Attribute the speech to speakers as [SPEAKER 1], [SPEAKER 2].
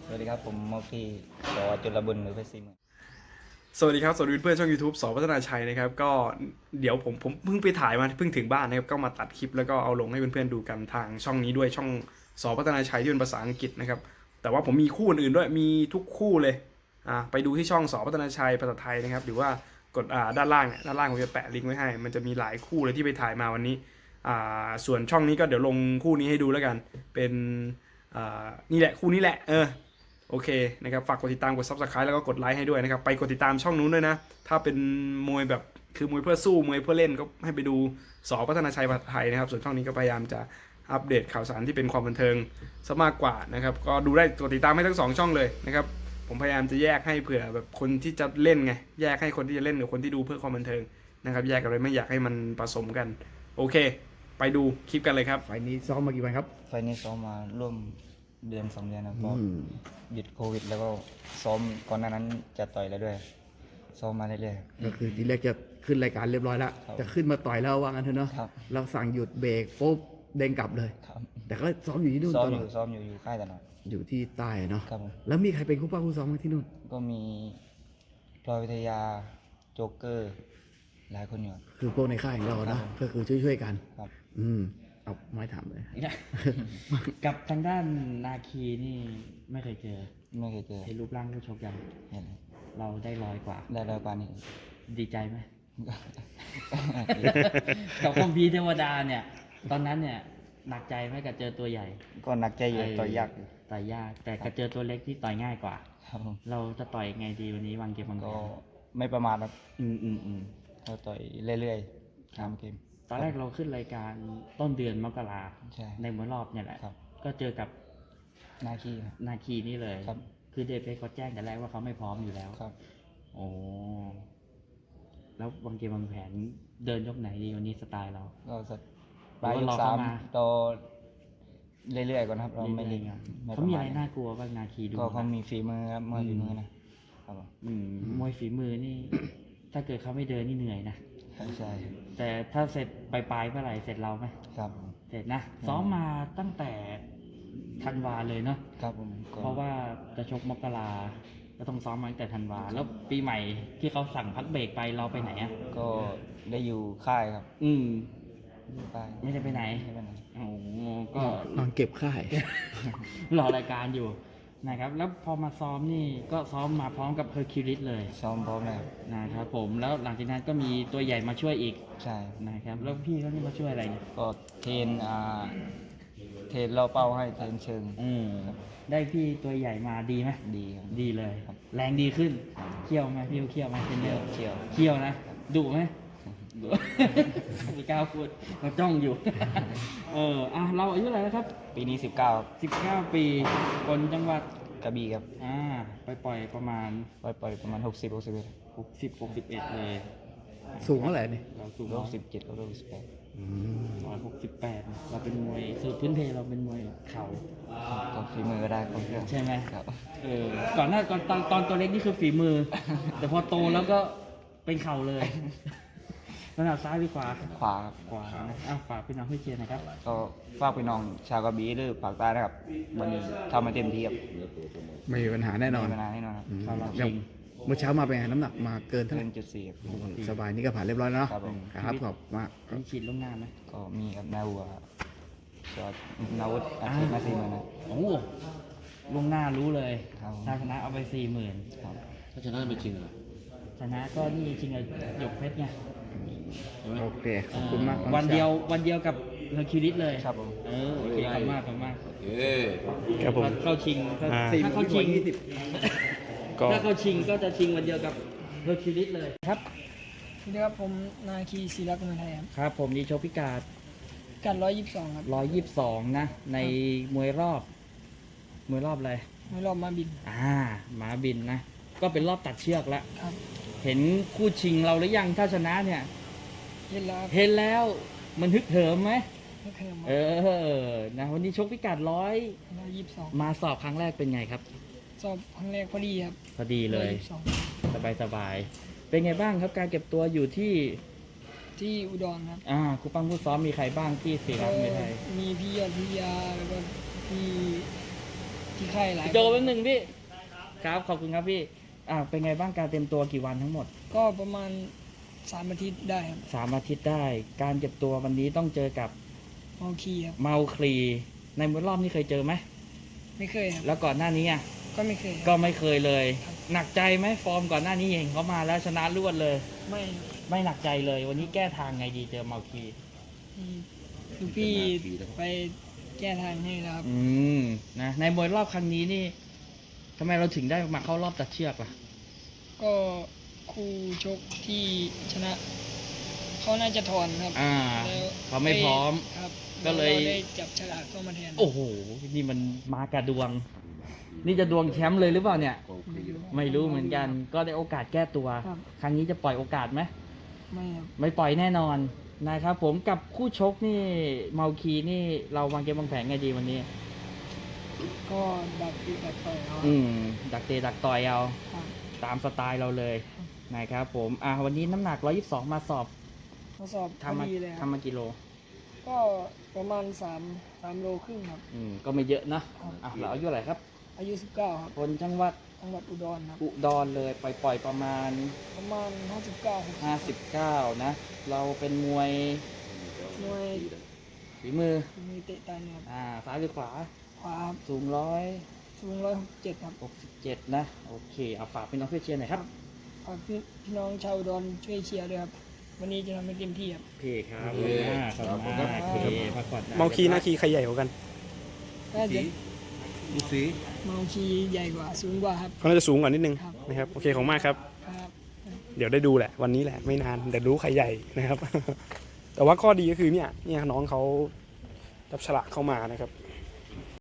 [SPEAKER 1] สวัสดีครับผมมอกี้สอจุลบุญหรือเพชรศรีเมือง
[SPEAKER 2] สวัสดีครับสวัสดีเพื่อนช่อง YouTube สอพัฒนาชัยนะครับก็เดี๋ยวผมเพิ่งไปถ่ายมาเพิ่งถึงบ้านนะครับก็มาตัดคลิปแล้วก็เอาลงให้เพื่อนๆดูกันทางช่องนี้ด้วยช่องสอพัฒนาชัยที่เป็นภาษาอังกฤษนะครับแต่ว่าผมมีคู่อื่นด้วยมีทุกคู่เลยไปดูที่ช่องสอพัฒนาชัยภาษาไทยนะครับหรือว่ากดด้านล่างเนี่ยด้านล่างผมจะแปะลิงก์ไว้ให้มันจะมีหลายคู่เลยที่ไปถ่ายมาวันนี้ส่วนช่องนี้ก็เดี๋ยวลงคู่นี้ให้ดูแล้วกันเป็นนี่แหละคู่นี้แหละโอเคนะครับฝากกดติดตามกด Subscribe แล้วก็กดไลค์ให้ด้วยนะครับไปกดติดตามช่องนู้นด้วยนะถ้าเป็นมวยแบบคือมวยเพื่อสู้มวยเพื่อเล่นก็ให้ไปดูสอพัฒนาชัยผัดไทยนะครับส่วนช่องนี้ก็พยายามจะอัปเดตข่าวสารที่เป็นความบันเทิงซะมากกว่านะครับก็ดูได้กดติดตามให้ทั้ง2ช่องเลยนะครับผมพยายามจะแยกให้เผื่อแบบคนที่จะเล่นไงแยกให้คนที่จะเล่นกับคนที่ดูเพื่อความบันเทิงนะครับแยกกันเลยไม่อยากให้มันผสมกันโอเคไปดูคลิปกันเลยครับ
[SPEAKER 3] ไฟล์นี้ซ้อมมากี่วันครับ
[SPEAKER 1] ไฟล์นี้ซ้อมมาร่วมเดือน2 เดือนนะเพราะหยุดโควิดแล้วก็ซ้อมก่อนหน้านั้นจะต่อยแล้วด้วยซ้อมมาเรื่อยๆ
[SPEAKER 3] ก็คือทีแรกจะขึ้นรายการเรียบร้อยแล้ว
[SPEAKER 1] ครับ
[SPEAKER 3] จะขึ้นมาต่อยแล้วว่างั้นเถอะเนาะ
[SPEAKER 1] ครับ
[SPEAKER 3] เราสั่งหยุดเบรกปุ๊บเด้งกลับเลย
[SPEAKER 1] ครับ
[SPEAKER 3] แต่ก็ซ้อมอยู่ที่นู่น
[SPEAKER 1] ซ้อม
[SPEAKER 3] ต
[SPEAKER 1] อ
[SPEAKER 3] ลอด
[SPEAKER 1] ยู่ซ้อมอยู่ค่ายตลอด
[SPEAKER 3] อยู่ที่ใต้เนาะ
[SPEAKER 1] ครับผม
[SPEAKER 3] แล้วมีใครเป็นคู่ป้าคู่ซ้อมกันที่นู่น
[SPEAKER 1] ก็มีพลอยวิทยาโจ๊กเกอร์หลายคนอยู่ครับ
[SPEAKER 3] คือพวกในค่ายของเรา
[SPEAKER 1] ครั
[SPEAKER 3] เนาะ
[SPEAKER 1] บผม
[SPEAKER 3] ก็คือช่วยๆกัน
[SPEAKER 1] ครับ
[SPEAKER 3] เอาไม้ถามเลย
[SPEAKER 4] กับทางด้านนาคีนี่ไม่เคยเจอ
[SPEAKER 1] ไม่เคยเจอ
[SPEAKER 4] เห็นรูปร่างผู้ชกยัง
[SPEAKER 1] เห็น
[SPEAKER 4] เราได้ร้อยกว่า
[SPEAKER 1] ได้ร้อยกว่านี่
[SPEAKER 4] ดีใจไหม กับคอมพีร์เทวดาเนี่ย ตอนนั้นเนี่ยหนักใจไหมกับเจอตัวใหญ่
[SPEAKER 1] ก็หนักใจอยู่ต่อยยากอยู่
[SPEAKER 4] ต่อยยาก แต่กับเจอตัวเล็กที่ต่อยง่ายกว่า
[SPEAKER 1] ครับผม
[SPEAKER 4] เราจะต่อยไงดีวันนี้วางเกมวางแผ
[SPEAKER 1] ก็
[SPEAKER 4] น
[SPEAKER 1] ไม่ประมาทครับ
[SPEAKER 4] อืม
[SPEAKER 1] ก็ต่อยเรื่อยๆตามเกม
[SPEAKER 4] ตอนแรกเราขึ้นรายการต้นเดือนมกรา
[SPEAKER 1] ใช่
[SPEAKER 4] ในมวยรอบเนี่ยแหละ
[SPEAKER 1] ครับ
[SPEAKER 4] ก็เจอกับ
[SPEAKER 1] หน้าขี้ครับ
[SPEAKER 4] นาคีนี่เลย
[SPEAKER 1] ครับ
[SPEAKER 4] คือเดฟเพชรเขาแจ้งแต่แรกว่าเขาไม่พร้อมอยู่แล้ว
[SPEAKER 1] ครับ
[SPEAKER 4] โอ้แล้ววางเกมวางแผนเดินยกไหนดีวันนี้สไตล์เรา
[SPEAKER 1] ก็สักปลายยก
[SPEAKER 4] รอ
[SPEAKER 1] สา
[SPEAKER 4] เข้าม มา
[SPEAKER 1] ต่อเรื่อยๆก่อนครับเราไม่
[SPEAKER 4] เรื่
[SPEAKER 1] เล่
[SPEAKER 4] อน ยๆ
[SPEAKER 1] ไม่ป
[SPEAKER 4] เขา
[SPEAKER 1] ระ
[SPEAKER 4] มี
[SPEAKER 1] มา
[SPEAKER 4] อะ
[SPEAKER 1] ท
[SPEAKER 4] ไรน่ากลัวบ้างนาคีดู
[SPEAKER 1] ก็เขา
[SPEAKER 4] นะ
[SPEAKER 1] มีฝีมือครับมวยฝีมือนะครับผม
[SPEAKER 4] มวยฝีมือนี่ ถ้าเกิดเขาไม่เดินนี่เหนื่อยนะ
[SPEAKER 1] ใช่
[SPEAKER 4] แต่ถ้าเสร็จปลายๆเมื่อไหร่เสร็จเราไหม
[SPEAKER 1] ครับ
[SPEAKER 4] เสร็จนะซ้อมมาตั้งแต่ธันวาเลยเนาะ
[SPEAKER 1] ครับผมก็
[SPEAKER 4] เพราะว่าจะชกมกราก็ต้องซ้อมมาตั้งแต่ธันวาแล้วปีใหม่ที่เขาสั่งพักเบรกไปเราไปไหนอ่ะ
[SPEAKER 1] ก็ได้อยู่ค่ายครับ อยู่ค่าย
[SPEAKER 4] ไม่ได้ไปไหน
[SPEAKER 1] ไม่ไปไหน
[SPEAKER 4] โอ้โหก็
[SPEAKER 3] นอนเก็บค่าย
[SPEAKER 4] รอรายการอยู่นะครับ แล้วพอมาซ้อมนี่ก็ซ้อมมาพร้อมกับเฮอร์คิวลิสเลย
[SPEAKER 1] ซ้อมพร้อมแล้ว
[SPEAKER 4] นะครับผมแล้วหลังจากนั้นก็มีตัวใหญ่มาช่วยอีก
[SPEAKER 1] ใช่
[SPEAKER 4] นะครับแล้วพี่เขานี่มาช่วยอะไรเนี่ย
[SPEAKER 1] ก็เทรนเทรนเราเป้าให้เทรนเชิง
[SPEAKER 4] ได้พี่ตัวใหญ่มาดีไหม
[SPEAKER 1] ดีครับ
[SPEAKER 4] ดีเลย
[SPEAKER 1] ครับ
[SPEAKER 4] แรงดีขึ้นเคี่ยวไหมพี่เขาเคี่ยวไหมเป็นเยอะ
[SPEAKER 1] เชี่ยว
[SPEAKER 4] เคี่ยวนะดุไหมดุ มีก้าวพูดมาจ้องอยู่ เราอายุอะไหรแล้วครับ
[SPEAKER 1] ปีนี้19ครับ
[SPEAKER 4] 19 ปีคนจังหวัด
[SPEAKER 1] กระบี่ครับ
[SPEAKER 4] ไปปล่อยประมาณ
[SPEAKER 1] ปล่อยประมาณ60 61
[SPEAKER 4] 60 61เลย
[SPEAKER 3] สูงเท่าไหร่นี่
[SPEAKER 4] เราสูง
[SPEAKER 1] 67 68
[SPEAKER 4] 168เราเป็นมวยสูตรพื้นเพเราเป็นมวยเข่า
[SPEAKER 1] ก็ฝีมือก็ได้ครบเครื่อง
[SPEAKER 4] ใช่ไหม
[SPEAKER 1] ครับ
[SPEAKER 4] ก่อนหน้าตอนตัวเล็กนี่คือฝีมือ แต่พอโตแล้วก็เป็นเข่าเลยขนาดซ้ายหรือขวา
[SPEAKER 1] ขวาครับ
[SPEAKER 4] ขวานะฝากพี่น้องให้เชียร์หนะครับ
[SPEAKER 1] ก็ฝากพี่น้องชาวกระบี่หรือภาคใต้นะครับวันนี้ทำมาเต็มที่ครับ
[SPEAKER 3] ไม่มีปัญหาแน่นอน
[SPEAKER 1] ไม่มีปัญหาแน่นอนครับ
[SPEAKER 4] ครับ
[SPEAKER 3] อย่างเมื่อเช้ามาเป็นไงน้ำหนักมาเกินเท่าไห
[SPEAKER 1] เกิ
[SPEAKER 3] ร่
[SPEAKER 1] นจุด4ครับ
[SPEAKER 3] สบายนี่ก็ผ่านเรียบร้อยแล้วเนาะ
[SPEAKER 1] ครับผม
[SPEAKER 3] ครับขอบมาก
[SPEAKER 4] มีฉีดล่วงหน้าไหม
[SPEAKER 1] ก็มีกับนาวัวจอดนาวุธอาชีพมา40,000นะ
[SPEAKER 4] โอ้โหล่วงหน้ารู้เลย
[SPEAKER 1] ครับ
[SPEAKER 4] ถ้าชนะเอาไป 40,000
[SPEAKER 1] ครับ
[SPEAKER 5] ถ้าชนะไม่จริงเหรอ
[SPEAKER 4] ชนะก็นี่จริงๆหยกเพชรไง
[SPEAKER 5] ใช่ไหม
[SPEAKER 3] โอเค ขอบคุณมาก
[SPEAKER 4] วันเดียวกับเฮอร์คิวลิสเลย
[SPEAKER 1] ครับผม
[SPEAKER 4] โอเคขอบคุณมากขอบคุณมาก
[SPEAKER 5] เอ้ย
[SPEAKER 3] ครับผม
[SPEAKER 4] เข้าชิงถ้า
[SPEAKER 3] อ่า
[SPEAKER 4] ถ้าเข้าชิง
[SPEAKER 3] ก็
[SPEAKER 4] ถ้าเข้าชิงก็จะชิงวันเดียวกับเฮอร์คิวลิสเลยครับ
[SPEAKER 6] สวัสดีครับผมนาคีศิลักษ์มวยไทยครับ
[SPEAKER 4] ครับผมนี่โชว์พิกาด
[SPEAKER 6] กัด122 ครับ
[SPEAKER 4] 122 นะ ในมวยรอบอะไร
[SPEAKER 6] มวยรอบมาบิน
[SPEAKER 4] หมาบินนะ ก็เป็นรอบตัดเชือกแล้ว
[SPEAKER 6] ครับ
[SPEAKER 4] เห็นคู่ชิงเราหรือยังถ้าชนะเนี่ย
[SPEAKER 6] เย็นแล้วครับ
[SPEAKER 4] เห็นแล้วมันฮึกเหิมไหม
[SPEAKER 6] ไม่เคยมา
[SPEAKER 4] นะวันนี้ชกพิกัด
[SPEAKER 6] 122
[SPEAKER 4] มาสอบครั้งแรกเป็นไงครับ
[SPEAKER 6] สอบครั้งแรกพอดีครับ
[SPEAKER 4] พอดีเลย
[SPEAKER 6] 122
[SPEAKER 4] สบายเป็นไงบ้างครับการเก็บตัวอยู่ที่
[SPEAKER 6] ที่อุดรครับ
[SPEAKER 4] ครูปั้มผู้ซ้อมมีใครบ้างที่ศิลักษ์ไม่ไทย
[SPEAKER 6] มีพี่ยอดพิยาแล้วก็พี่ที่ค่ายหลาย
[SPEAKER 4] โจแป๊บนึงพี่ครับขอบคุณครับพี่เป็นไงบ้างการเตรียมตัวกี่วันทั้งหมด
[SPEAKER 6] ก็ประมาณ3 อาทิตย์ได้ครับ
[SPEAKER 4] 3 อาทิตย์ได้ การเก็บตัววันนี้ต้องเจอกับ
[SPEAKER 6] เมาคีครับ
[SPEAKER 4] เมาคลีในมวยรอบนี้เคยเจอไหม
[SPEAKER 6] ไม่เคยครับ
[SPEAKER 4] แล้วก่อนหน้านี้อ่ะ
[SPEAKER 6] ก็ไม่เคยค
[SPEAKER 4] ก็
[SPEAKER 6] รับ
[SPEAKER 4] ไม่เคยเลย หนักใจไหมฟอร์มก่อนหน้านี้เองเขามาแล้วชนะรวดเลย
[SPEAKER 6] ไม่
[SPEAKER 4] ไม่หนักใจเลย วันนี้แก้ทางไงดีเจอเมาคลี
[SPEAKER 6] ลูกพี่ไปแก้ทางให้แล้วครับ
[SPEAKER 4] นะในมวยรอบครั้งนี้นี่ทำไมเราถึงได้มาเข้ารอบตัดเชือกล่ะ
[SPEAKER 6] ก็คู่ชกที่ชนะเขาน่าจะถอนครับ แล้ว
[SPEAKER 4] เขาไม่พร้อม
[SPEAKER 6] ครับ
[SPEAKER 4] ก็เลย
[SPEAKER 6] ราได้จับฉลากเข้ามาแทน
[SPEAKER 4] โอ้โห นี่มันมากระดวง นี่จะดวงแชมป์เลยหรือเปล่าเนี่ย ไม่รู้เหมือนกัน ก็ได้โอกาสแก้ตัว
[SPEAKER 6] ครับ
[SPEAKER 4] ครั้งนี้จะปล่อยโอกาสไหม
[SPEAKER 6] ไม่ครับ
[SPEAKER 4] ไม่ปล่อยแน่นอนนะครับผมกับคู่ชกนี่เมาคีนี่เราวางเกมวางแผนไงดีวันนี้
[SPEAKER 6] ก็ดักตีดักต่อยเอา
[SPEAKER 4] ดักเตะดักต่อยเอา
[SPEAKER 6] ครับ
[SPEAKER 4] ตามสไตล์เราเลยนะครับผมวันนี้น้ำหนัก 122 มาสอบ
[SPEAKER 6] ทดสอบพอ
[SPEAKER 4] ทำมา
[SPEAKER 6] ดีเลยครับ
[SPEAKER 4] ทำมากี่โล
[SPEAKER 6] ก็ประมาณ3 โลครึ่งครับ
[SPEAKER 4] ก็ไม่เยอะนะครับ เราอายุเท่าไหร่ครับ
[SPEAKER 6] อายุ 19 ครับ
[SPEAKER 4] คนจังหวัด
[SPEAKER 6] จังหวัดอุดรครับ
[SPEAKER 4] อุดรเลยปล่อยประมาณ
[SPEAKER 6] 59
[SPEAKER 4] 59 นะ เราเป็นมวย
[SPEAKER 6] หน่วย
[SPEAKER 4] ฝีมือ
[SPEAKER 6] มีเตะตาเนี่ยครับ
[SPEAKER 4] ซ้ายหรือขวา
[SPEAKER 6] ขวาครับ
[SPEAKER 4] สูง
[SPEAKER 6] สูง167ครับ
[SPEAKER 4] 167 นะ โอเคเอาฝากพี่น้องเพื่อนเชียร์หน่อยครับ
[SPEAKER 6] ฝากพี่น้องชาวอุดรช่วยเชียร์ด้วยครับ วันนี้จะทำให้เต็มที่ครับ
[SPEAKER 4] โอเคครับ
[SPEAKER 5] โอเค
[SPEAKER 4] ขอบคุณมาก
[SPEAKER 5] ครับ
[SPEAKER 4] โอเคพักผ่อนได้
[SPEAKER 2] เมาคีหน้าคีใครใหญ่กว่ากัน
[SPEAKER 6] น่าจะ
[SPEAKER 5] ดูสี
[SPEAKER 6] เมาคีใหญ่กว่าสูงกว่าครับ
[SPEAKER 2] เขาน่าจะสูงกว่านิดนึง
[SPEAKER 6] ครับ
[SPEAKER 2] นะครับโอเคของมากครับ
[SPEAKER 6] ครับ
[SPEAKER 2] เดี๋ยวได้ดูแหละวันนี้แหละไม่นานเดี๋ยวรู้ใครใหญ่นะครับ แต่ว่าข้อดีก็คือเนี่ยน้องเขาจับฉลากเข้ามานะครับ